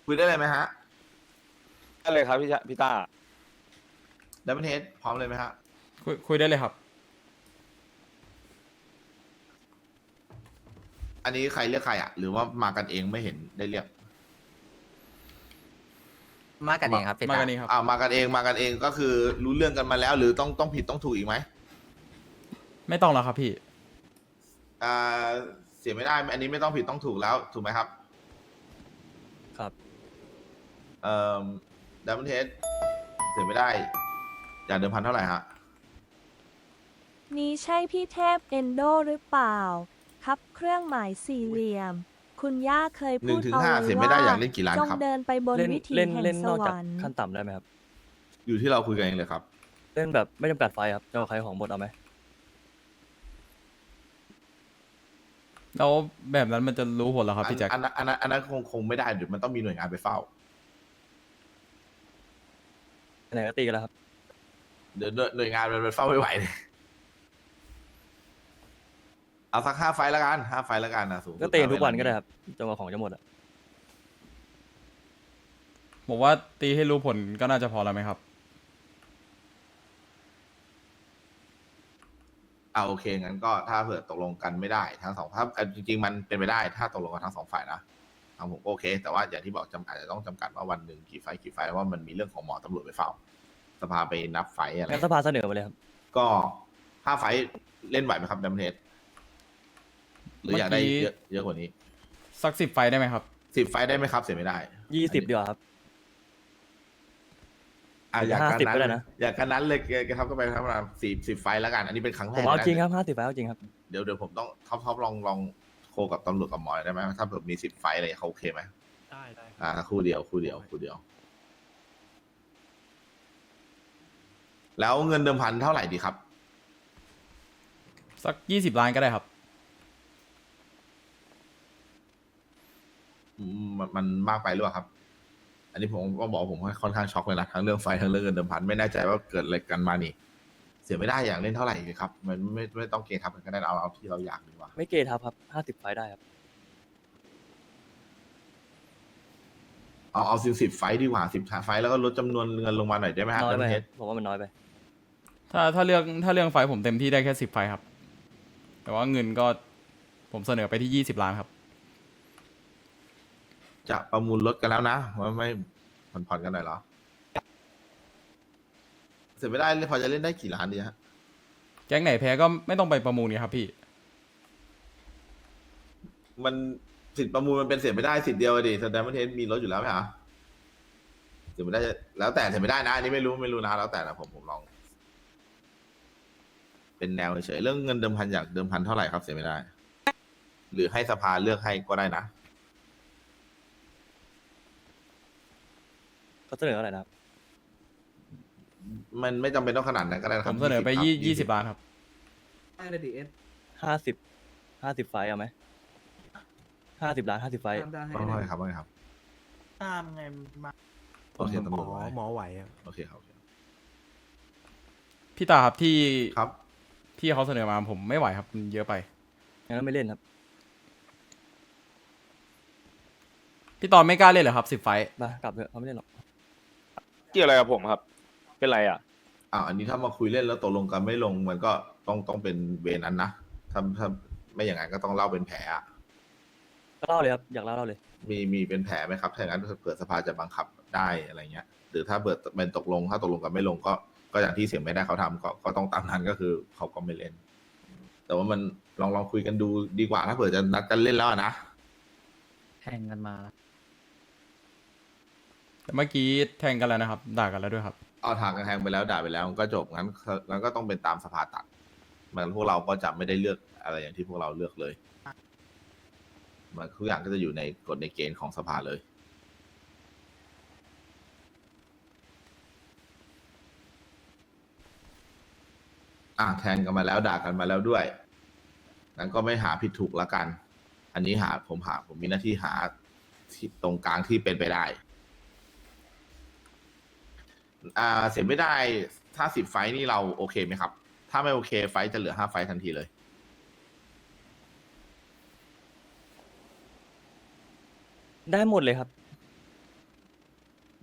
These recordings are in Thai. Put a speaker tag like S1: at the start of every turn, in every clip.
S1: คุยได้เลยไหมฮะ
S2: ได้เลยครับพี่ต้า
S1: ดับเบิลเฮดพร้อมเลยไหมฮะ
S3: คุยได้เลยครับ
S1: อันนี้ใครเรียกใครอ่ะหรือว่ามากันเองไม่เห็นได้เรียก
S4: มากันเองครับพี่
S3: มา
S4: ตา
S3: กันนี้ครับ
S1: มากันเองมากันเองก็คือรู้เรื่องกันมาแล้ว หรือต้องผิดต้องถูกอีกไหม
S3: ไม่ต้องแล้วครับพี่
S1: อ่าเสียไม่ได้อันนี้ไม่ต้องผิดต้องถูกแล้วถูกไหมครับ
S5: ครับ
S1: เอ่อดับเบิลเฮดเสียไม่ได้ อยากเดิมพันเท่าไหร่ฮะ
S6: นี้ใช่พี่เทพเอนโดหรือเปล่า ครับเครื่องหมายสี่เหลี่ยม คุณย่าเคย
S1: หนึ่
S6: พู
S1: ง
S6: ด
S1: ถึง
S6: เอา
S1: ห้า
S6: ไว้
S1: เสียไม่ได้อยากเล่นกี่ล้าน
S6: จง
S1: ครับ
S6: เดินไปบน
S5: เล่น
S6: วิถี
S5: เล่น
S6: แห่
S5: เล่น
S6: งส
S5: นอก
S6: ว
S5: จาก
S6: รรค์
S5: ขั้นต่ำได้ไหมครับ
S1: อยู่ที่เราคุยกันเองเลยครับ
S5: เล่นแบบไม่จำกัดไฟครับจะเอาใครของหมดเอาไหม
S3: แล้วแบบนั้นมันจะรู้ผลแล้วครับพี่แจ็ค
S1: อันนั้นคงไม่ได้เดี๋ยวมันต้องมีหน่วยงานไปเฝ้า
S5: ไหนก็ตีกันแล้วครับ
S1: เดี๋ยวหน่วยงานมันไปเฝ้าไม่ไหวเลยเอาสัก5 ไฟล์ละกัน5 ไฟล์ละกันนะสูงสุด
S5: ก็ตีกันทุกวันก็ได้ครับจนกว่าของจะหมดอ่ะ
S3: ผมว่าตีให้รู้ผลก็น่าจะพอแล้วไหมครับ
S1: โอเคงั้นก็ถ้าเผื่อตกลงกันไม่ได้ทั้งสองถ้าจริงๆมันเป็นไปได้ถ้าตกลงกันทั้งสองฝ่ายนะทางผมก็โอเค แต่ว่าอย่างที่บอกอาจจะต้องจำกัดว่าวันหนึ่งกี่ไฟล์ว่ามันมีเรื่องของหมอตำรวจไปเฝ้า สภาไปนับไฟล์อะไร
S5: งั้นสภาเสนอมาเลยครับ
S1: ก็5 ไฟล์เล่นไหวไหมครับดัมเทสหรืออยากได้
S3: เมื่อกี้
S1: เยอะกว่านี้
S3: สัก10 ไฟได้ไหมครับ
S1: 10 ไฟล์ได้ไหมครับเสียไม่ได้
S5: 20ดีกว่าครับ
S1: อยากกัน
S5: 50ก็ได้
S1: นั้น
S5: นะ
S1: อยากกันนั้นเลยแกทับก็ไปประมาณ10 ไฟล์แล้วกัน อันนี้เป็นครั้งแร
S5: ผม
S1: ก
S5: เอา
S1: นะ
S5: จริงครับ50ไฟเอาจริงครับ
S1: เดี๋ยวผมต้องท็อปลองโคกับตำรวจกับหมอได้ไหมถ้าแบบมี10 ไฟล์อะไรเขาโอเคไหม
S4: ได้
S1: คู่เดียว แล้วเงินเดิมพันเท่าไหร่ดีครับ
S3: สัก20 ล้านก็ได้ครับ
S1: มันมากไปหรือเปล่าครับ อันนี้ผมก็บอกว่าผมค่อนข้างช็อกเลยนะทั้งเรื่องไฟทั้งเรื่องเงินเดิมพันไม่แน่ใจว่าเกิดอะไรกันมานี่ เสียไม่ได้อยากเล่นเท่าไหร่ดีครับ มันไม่ต้องเกณฑ์ทับกันก็ได้เอาที่เราอยากดีกว่า
S5: ไม่เกทับครับ50ไฟได้ครับ
S1: เอา10 ไฟล์ดีกว่า10 ไฟล์แล้วก็ลดจำนวนเงินลงมาหน่อยได้ไหมฮะ
S5: น้อยไป
S1: ดัม
S5: ค
S1: เท
S5: รับ
S1: ส
S5: ผมว่ามันน้อยไป
S3: ถ้าเรื่องไฟผมเต็มที่ได้แค่10 ไฟครับ แต่ว่าเงินก็ผมเสนอไปที่20 ล้านครับ
S1: จะประมูลรถกันแล้วนะว่าไม่ผ่อนกันหน่อยเหรอ เสร็จไม่ได้พอจะเล่นได้กี่ล้านดีฮะ
S3: แก๊งไหนแพ้ก็ไม่ต้องไปประมูลนี่ครับพี่
S1: มันสิทธิ์ประมูลมันเป็นเสียไม่ได้สิทธิ์เดียวอะดิแสดงว่าเทสมีรถอยู่แล้วไหมฮะเสียไม่ได้แล้วแต่เสียไม่ได้นะอันนี้ไม่รู้นะแล้วแต่นะผมลอง เป็นแนวเฉยๆเรื่องเงินเดิมพันอยากเดิมพันเท่าไหร่ครับเสียไม่ได้ หรือให้สภาเลือกให้ก็ได้นะ
S5: เขาเสนออะไรนะครับ
S1: มันไม่จำเป็นต้องขนาดนั้นก็ได้นะค
S3: ผ
S1: รับ
S3: มเสนอไป
S1: 20
S3: 20 ล้านครับ
S7: ได้เลยดีเอส
S5: 50ไฟเอาไหม50 ล้าน50ไฟ
S7: ตามได้ให้
S1: ว่าไงครับว่าไงครับ
S7: ตามไงมา
S1: โอเคตำรวจไว้
S7: หมอไหวอ่ะ
S1: โอเคครับ
S3: พี่ตาครับที่
S1: ครับ
S3: พี่เขาเสนอมาผมไม่ไหวครับมันเยอะไป
S5: งั้นไม่เล่นครับ
S3: พี่ตอนไม่กล้าเล่นเหรอครับ10 ไฟ
S5: มากลับเถอะเขาไม่เล่นหรอก
S2: เกี่ยวอะไรกับผมครับ เป็นไรอ่ะ
S1: อันนี้ถ้ามาคุยเล่นแล้วตกลงกันไม่ลงมันก็ต้องเป็นเวรนั้นนะถ้าไม่อย่างนั้นก็ต้องเล่าเป็นแผลอะ
S5: ก็เล่าเลยครับอยากเล่าเลย
S1: มีเป็นแผลไหมครับถ้าอย่างนั้นเผื่อสภาจะบังคับได้อะไรเงี้ยหรือถ้าเปิดเป็นตกลงถ้าตกลงกันไม่ลงก็อย่างที่เสียงไม่ได้เขาทำก็ต้องตามนั้นก็คือเขาก็ไม่เล่น แต่ว่ามันลองคุยกันดูดีกว่าถ้าเผื่อจะนัดกันเล่นแล้วอะนะ
S4: แทงกันมา
S3: แต่เมื่อกี้แทงกันแล้วนะครับ ด่ากันแล้วด้วยครับ
S1: เอาทางกันแทงไปแล้วด่าไปแล้วมันก็จบงั้นก็ต้องเป็นตามสภาตัดมันพวกเราก็จะไม่ได้เลือกอะไรอย่างที่พวกเราเลือกเลยมันทุกอย่างก็จะอยู่ในกฎในเกณฑ์ของสภาเลยแทงกันมาแล้วด่ากันมาแล้วด้วยงั้นก็ไม่หาผิดถูกละกัน อันนี้ผมมีหน้าที่หาที่ตรงกลางที่เป็นไปได้เสียไม่ได้ถ้า10 ไฟท์นี่เราโอเคไหมครับ ถ้าไม่โอเคไฟท์จะเหลือ5 ไฟท์ทันทีเลย
S5: ได้หมดเลยครับ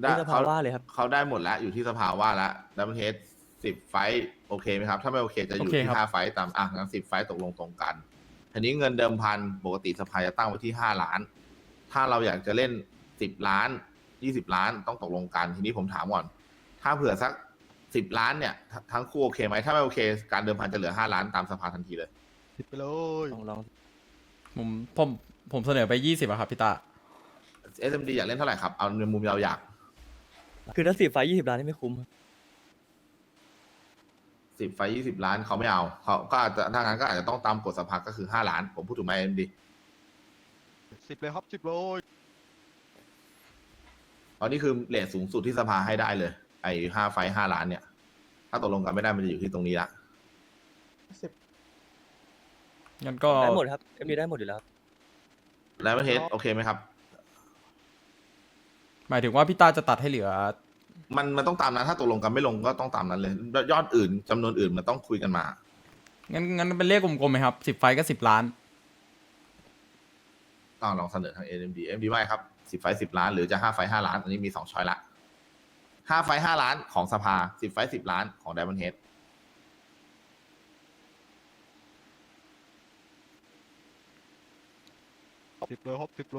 S1: ได้
S5: ที่สภาว่าเลยครับ
S1: เขาได้หมดแล้วอยู่ที่สภาว่าแล้วดับเบิลเฮด10 ไฟท์โอเคไหมครับ ถ้าไม่โอเคจะอยู่
S3: โอเค
S1: ที่
S3: ครับ
S1: 5 ไฟท์ตามงั้น10 ไฟท์ตกลงตรงกันทีนี้เงินเดิมพันปกติสภาจะตั้งไว้ที่5 ล้าน ถ้าเราอยากจะเล่น10 ล้าน20 ล้านต้องตกลงกันทีนี้ผมถามก่อน ถ้าเผื่อสัก10 ล้านเนี่ยทั้งคู่โอเคไหมถ้าไม่โอเค การเดิมพันจะเหลือ5 ล้านตามสภาทันทีเลย
S5: ลอง
S3: ผมเสนอไป20อะครับพี่ตา
S1: SMD อยากเล่นเท่าไหร่ครับเอาในมุมเราอยาก
S5: คือถ้า10 ไฟล์20 ล้านนี่ไม่คุ้มครับ
S1: 10 ไฟท์20 ล้านเขาไม่เอาเขาก็อาจจะถ้างั้นก็อาจจะต้องตามกฎสภาก็คือ5 ล้าน ผมพูดถูกไหม SMD
S8: 10 เลยครับ 10 เลย
S1: เพราะนี่คือเรทสูงสุดที่สภาให้ได้เลย ไอ้5 ไฟท์5 ล้านเนี่ย ถ้าตกลงกันไม่ได้มันจะอยู่ที่ตรงนี้ละ
S3: งั้นก็
S5: ได้หมดครับ MD ได้หมดอยู่แล้วครับ
S1: แล้วประเทศโอเคไหมครับ
S3: หมายถึงว่าพี่ตาจะตัดให้เหลือ
S1: มันต้องตามนั้นถ้าตกลงกันไม่ลงก็ต้องตามนั้นเลย ยอดอื่นจำนวนอื่นมันต้องคุยกันมา
S3: งั้นเป็นเลขกลมๆไหมครับ10 ไฟก็10 ล้าน
S1: ต้องลองเสนอทาง SMD ไม่ครับ10 ไฟท์10 ล้าน หรือจะ5 ไฟท์5 ล้าน อันนี้มี2ช้อยละ5 ไฟท์5 ล้านของสภา10 ไฟท์10 ล้านของ Diamond Head
S8: 10 เลยครับ 10 เลย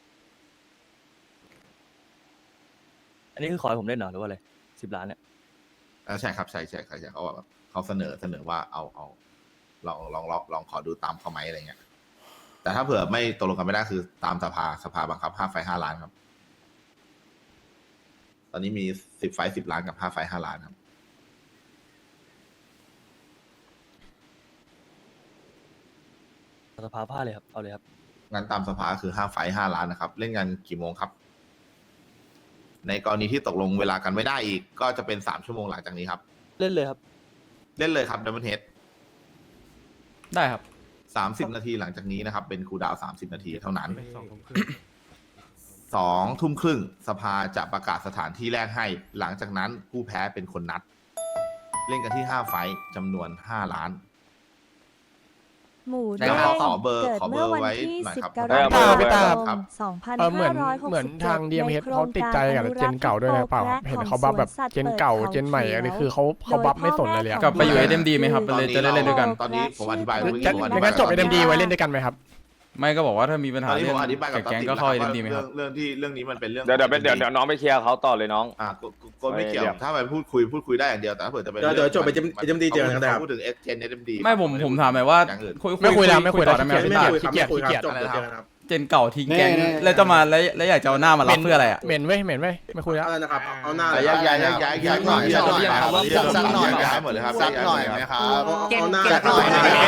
S5: อันนี้คือขอให้ผมเล่นเหรอหรือว่าอะไร10 ล้านเนี่ย
S1: ใช่ครับใช่เขาแบบเขาเสนอว่าเอาลองขอดูตามเขาไหมอะไรเงี้ย แต่ถ้าเผื่อไม่ตกลงกันไม่ได้คือตามสภาบังคับ5 ไฟท์5 ล้านครับ ตอนนี้มี10 ไฟท์10 ล้านกับ5 ไฟท์5 ล้านครับ
S5: สภาผ้าเลยครับเอาเลยครับ
S1: งั้นตามสภาคือ5 ไฟท์5 ล้านนะครับ เล่นกันกี่โมงครับ ในกรณีที่ตกลงเวลากันไม่ได้อีก ก็จะเป็น3 ชั่วโมงหลังจากนี้ครับ
S5: เล่นเลยครับ
S1: เล่นเลยครับดับเบิลเฮด
S3: ได้ครับ
S1: 30 นาทีหลังจากนี้นะครับ เป็นคูลดาวน์30 นาทีเท่านั้น 2 ทุ่มครึ่งสภาจะประกาศสถานที่แรกให้ หลังจากนั้นผู้แพ้เป็นคนนัด เล่นกันที่5 ไฟท์จำนวน5 ล้าน
S6: หมู
S1: ได้
S6: แด
S1: ครับ
S6: ง
S1: ขอเบอร์
S6: เกิด
S1: ขอเบอ
S6: เมื่อ
S1: ร์
S6: วัน
S1: ไว้
S6: ที่
S1: หน่อย
S6: 10
S1: ครับ
S6: กรกฎา
S2: ได้ครับ
S6: คม
S9: เหมือนทาง DMH เขาติดใจกับเจนเก่าด้วยนะเปล่าเห็นเขาบัฟแบบเจนเก่าเจนใหม่อันนี้คือเขาบัฟไม่สนเลยอะ
S3: กลับไปอยู่ SMD ไหมครับจะได้เล่นด้วยกัน
S1: ตอนนี้ผมอธิบาย
S9: จะงั้นจบ SMD ไว้เล่นด้วยกันไหมครับ
S3: ไม่ก็บอกว่าถ้ามีปัญ
S1: ต
S3: หา
S1: อนนี้
S3: เรื่
S1: ผ
S3: อง
S1: มอธิบายกับ
S3: แก๊ง
S1: ติ๊
S3: ก็เข้า
S1: แล้ว
S3: SMD ไหมครับ
S1: เรื่องนี้มันเป็นเรื่อง
S2: เดี๋ยวน้องไปเคลียร์เขาต่อเลยน้อง
S1: ก็ไม่เกี่ยว
S2: ไม่เกี่ยว
S1: ถ้าไปพูดคุยได้อย่างเดียวแต่ถ้าเผื่อจะเป็น
S7: เดี๋ยวจบไปเจมดีเจอกันนะครับ
S1: พูดถึงเจน SMD
S3: ไม่ผมถามหน่อยว่า
S1: อย่างอื่น
S9: ไม่คุยแล้วไม่คุย
S3: ต่อ
S9: แล้ว
S3: ได้ไหม
S9: ไม่
S3: พี่
S9: คุย
S3: ตา
S9: ขี้เกียจ
S7: จบเดี๋ยวเจอกันครับ
S3: เจนเก่าทิ้งแก๊งแล้วจะมาแล้วอยากจะเอาหน้ามารับเพื่ออะไรอ่ะ
S9: เหม็นเว้ยไม่คุยแล้ว
S7: อะไรนะครับ เอาหน้า
S1: ย้ายหน่อยสักหน่อยย้ายหมดเลยครับสักหน่อยไหมครับ
S7: เอาหน้า
S1: สักหน่อยไหมครับ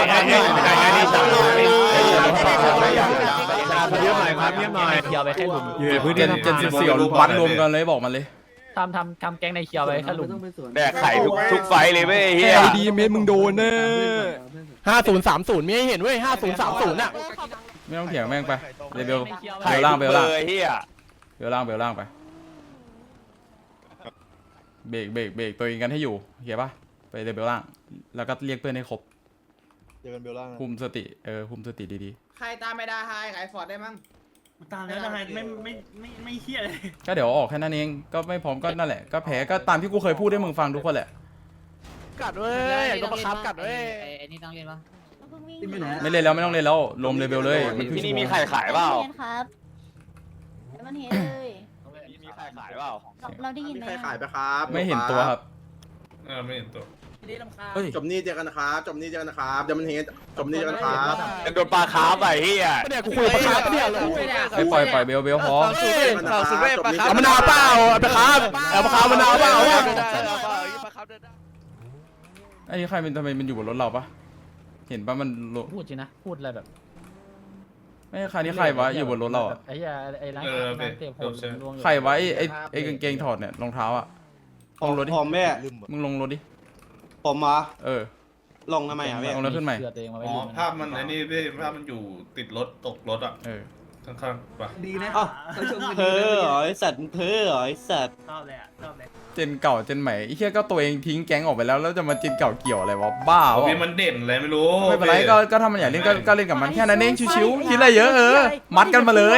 S9: เยี่ยมหน่อยครับเยี่ยมหน่อย
S4: เคียวไปแค่หลุม
S3: เจน14วัดรวมกันเลยบอกมันเลย
S4: ทำแก๊งในเคียวไปแค่หลุม
S2: แดกไข่ทุกไฟเลยเว้ยเฮีย
S9: ดีเมมึงโดนเนอะ5030ไม่ให้เห็นเว้ย5030น่ะ
S3: ไม่ต้องเถียงแม่งไปเบล
S2: ไข่
S3: ล่าง
S2: ทุก
S3: เบล
S2: เบ
S3: ล่าง
S2: อร์เฮีย
S3: เบลล่างไปเบรกตัวเองกันให้อยู่เหี้ยปะไปเบลล่าง แล้วก็เรียกเพื่อนให้ครบ
S8: เจอกันเบลล่างนะ
S3: คุมสติคุมสติดี
S7: ใครตามไม่ได้ไฮขายฟอร์ดได้มั้งตามแล้วได้ไม่เฮี้ยเลย
S3: ๆก็เดี๋ยวออกแค่นั้นเองก็ไม่พร้อมก็นั่นแหละก็แพ้ก็ตามที่กูเคยพูดให้มึงฟังทุกคนแหละ
S9: กัดเว้ยอยากโดนประคับกัดเว้ย
S4: ไอ้นี่ต้องเรียนปะ
S3: ไม่เล่นแล้วไม่ต้องเล่นแล้วรวมเลเวลเลยมัน
S2: ที่นี่มีไข่ขายเปล่า
S10: ครับมันเห็นเลย
S2: มีไข่ขายเปล่า
S10: เราได้ยินไหม
S7: ใครขายไปครับ
S3: ไม่เห็นตัวครับ
S8: ไม่เห็นตัว
S3: เฮ้ย
S7: จบนี่เจอกันนะครับจบนี่เจอกันนะครับเดี๋ยวมันเห็นจบนี่เจอกันครับ
S2: จะโดนปลาคาร์ฟไปเฮีย
S9: เนี่ยกูคุยกับประคับเนี่ยเลย
S3: ไปปล่อยเบลพอ
S9: เอามะนาวเปล่าเอาประคับเอาประคับมะนาวเปล่า
S3: ไอ้นี่ใครเป็นทำไมมันอยู่บนรถเราปะเห็นปะมัน
S4: พูดจริงนะพูดอะไรแบบ
S3: ไม่ใครนี่ใครวะอยู่บนรถเราอะ
S4: ไอ้ยาไอ้ร้านเตะผมลวง
S3: ใครวะไอ้กางเกงถอดเนี่ยรองเท้าอ่ะลงรถดิ
S7: ผมแม่
S3: มึงลงรถดิ
S7: ผมมา
S3: ล
S7: งทำไมอ่ะแม่
S3: ลงรถขึ้นใหม่
S4: เสือตัวเองมาไว้
S8: อ๋อ
S4: ดู
S8: ภาพมันไอ้นี่พี่ภาพมันอยู่ติดรถตกรถอ่ะข้างๆป่ะ
S7: ดีนะ
S5: เพ้อเหรอไอสัตว์เพ้อเหรอไอสัตว์
S7: ชอบเลยชอบเลย
S3: เจนเก่าเจนใหม่ไอ้เหี้ยก็ตัวเองทิ้งแก๊งออกไปแล้วแล้วจะมาเจนเก่าเกี่ยวอะไรวะบ้า
S8: โอ้
S3: วะ
S8: พี่มันเด่นอะไรไม่รู้
S3: ไม่เป็นไรก็ถ้ามันอยากเล่นก็เล่นกับมันแค่นั้นเองชิวๆคิดอะไรเยอะมัดกันมาเลย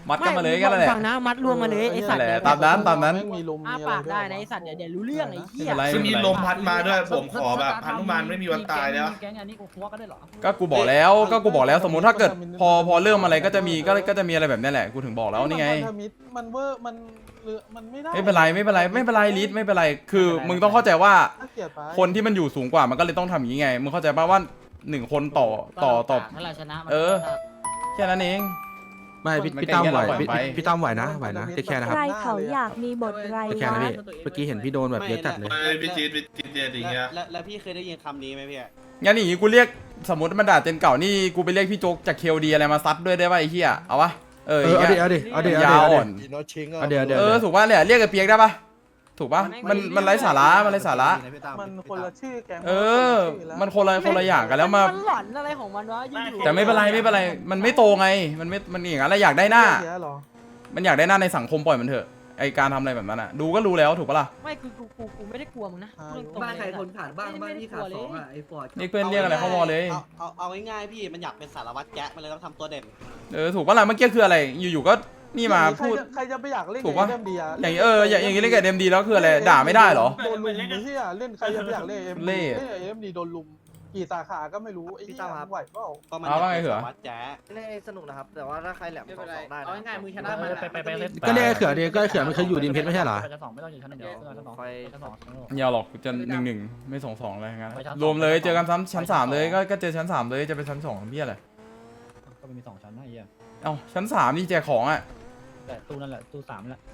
S3: มัดกันมาเลยกันแหละ
S4: ฟังนะมัดรวมมาเลยไอสัตว์
S3: นั่นแหละตามนั้น
S9: มีลม
S4: อ้า
S9: มีอะไร
S4: ปาก
S9: ด้วย
S4: ได้นะไอสัตว์เดี๋ยวรู้เรื่องไอ้เหี้ย
S3: ไม่เป็นไร
S8: ซึ่งมีลมพัดมาด้วยผมขอแบบพนุมานไม่มีวันตายแล้ว
S4: แก๊งอันนี้กูคัวก็ได้เหรอ
S3: ก็กูบอกแล้วสมมุติถ้าเกิดพอเริ่มอะไรก็จะมีอะไรแบบนี้แหละกูถึงบอกแล้วนี่ไง
S9: มันเวอร์มันไม่ได้
S3: ไม่เป็นไรลิศไม่เป็นไรคือมึงต้องเข้าใจว่า
S9: น่าเกลียดไป
S3: คนที่มันอยู่สูงกว่ามันก็เลยต้องทำอย่างนี้ไงมึงเข้าใจป่ะว่า1 คนต่อ
S4: ถ้าเราชนะมัน
S3: แค่นั้นเอง
S11: ไม่พี่
S3: มัน
S11: พี่ตั้มไหว
S3: เก่งแค่เราปล่อยไป
S11: พี่ตั้มไหวนะเทคแคร์นะครับ
S6: ใครเขาอยากมีบทไร
S11: เทคแคร์นะ
S6: วะ
S11: พี่เมื่อกี้เห็นพี่โดนแบบเยอะจัดเลย
S8: พี่จีดอย่างเงี้ย
S7: แล้วพี่เคยได้ยินคำนี้ไหมพี่
S3: งั้นอย่างนี้กูเรียกสมมติมันด่าเจนเก่านี่กูไปเรียกพี่โจ๊กจากเคลดีอะไรมาซัดด้วยได้ป่ะไอ้เหี้ยเอาวะอย่างเงี้ย
S11: เอาดิ
S3: ยาวอ่อน
S11: เดี๋ยว
S3: ถูกป่ะเนี่ยเรียกไอ้เปียกได้ป่ะถูกป่ะมันไร้สาระ
S9: มันคนละชื่อแกง
S3: มันคนละอย่างกันแล้วมา
S4: นหลอนอะไรของมันวะอยู่
S3: แต่ไม่เป็นไรมันไม่โตไงมันอย่างนั้นแหละอยากได้หน้า มันอยากได้หน้าในสังคมปล่อยมันเถอะไอการทำอะไรแบบนั้นอ่ะดูก็รู้แล้วถูกปะล่ะ
S4: ไม่กูไม่ได้กลัวมึงนะ
S7: บ้านใครคนขาดบ้างบ้านพี่ขาด2อ่ะไอ้ฟอร์ด
S3: เรียกเพื่อนเรียกอะไรเข้าวอเลย
S7: เอาง่ายๆพี่มันอยากเป็นสารวัตรแก๊ะมันเลยต้องทำตัวเด่น
S3: ถูกปะล่ะเมื่อกี้คืออะไรอยู่ๆก็นี่มาพูด
S9: ใครจะไปอยากเล่น
S3: ถูกปะ
S9: เอ็มดีอะ
S3: อย่างอย่างนี้เล่นกับเดมดีแล้วคืออะไรด่าไม่ได้เหรอ
S9: โดนลุมไม่ใช่เล่นใครจะไปอยากเล่นเอ็ม
S3: เล่
S9: เอ็มดีโดนลุมกี่สาขาก็ไม่รู้ไอ้ที่ไหวเปล่า
S7: ก็มันอยากเป็นสารวัตรแก๊ะ
S5: เล่นสนุกนะครับ แต่ว่าถ้าใครแหลมสองได้
S7: เอาง่ายๆมือชนะมัน
S4: ไปเล่น
S11: ก็เรียกไอ้เขือดิก็ไอ้เขือมันเคยอยู่ดินเพชรไม่ใช่เหรอ
S4: ไปกัน2ไม่ต้องอยู่ชั้น1เดี๋ยวชั้น2ชั้น2
S3: อย่าหรอกจะ1-1ไม่2-2อะไรงั้นรวมเลยเจอกันชั้น3เลยก็เจอชั้น3เลยจะไปชั้น2ทำเพี้ยอะไร
S4: ก็มี2ชั้นนะไอ้เหี้ย
S3: เอ้าชั้น3นี่แจกของอ่ะ
S4: แต่ตู้นั่นแหละตู้3แหละ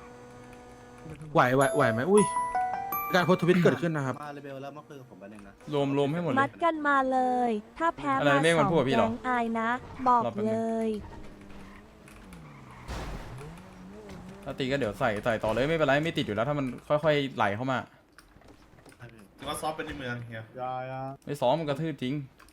S11: ไหวไหมอุ้ยการโพสต์ทวิตเกิดขึ้นนะครับ
S7: มาเลเบลแล้วมาคุยกับผมไปหนึ่งนะ
S3: รวมให้หมดเล
S6: มั
S3: ย
S6: ดกันมาเลย ถ้าแพ้
S3: อะไร
S6: มา
S3: ไม่มัน
S6: สอง
S3: พูดกับพี่เหร
S6: แก๊
S3: อ
S6: งอายนะ บอก
S3: รอแป๊บนึง
S6: เลย
S3: ถ้าตีก็เดี๋ยวใส่ต่อเลยไม่เป็นไรไม่ติดอยู่แล้วถ้ามันค่อยๆไหลเข้ามา
S8: ถือว่าซอฟเป็นในเมืองเฮีย
S3: ไม่ซ้อมมันกระทืบจริง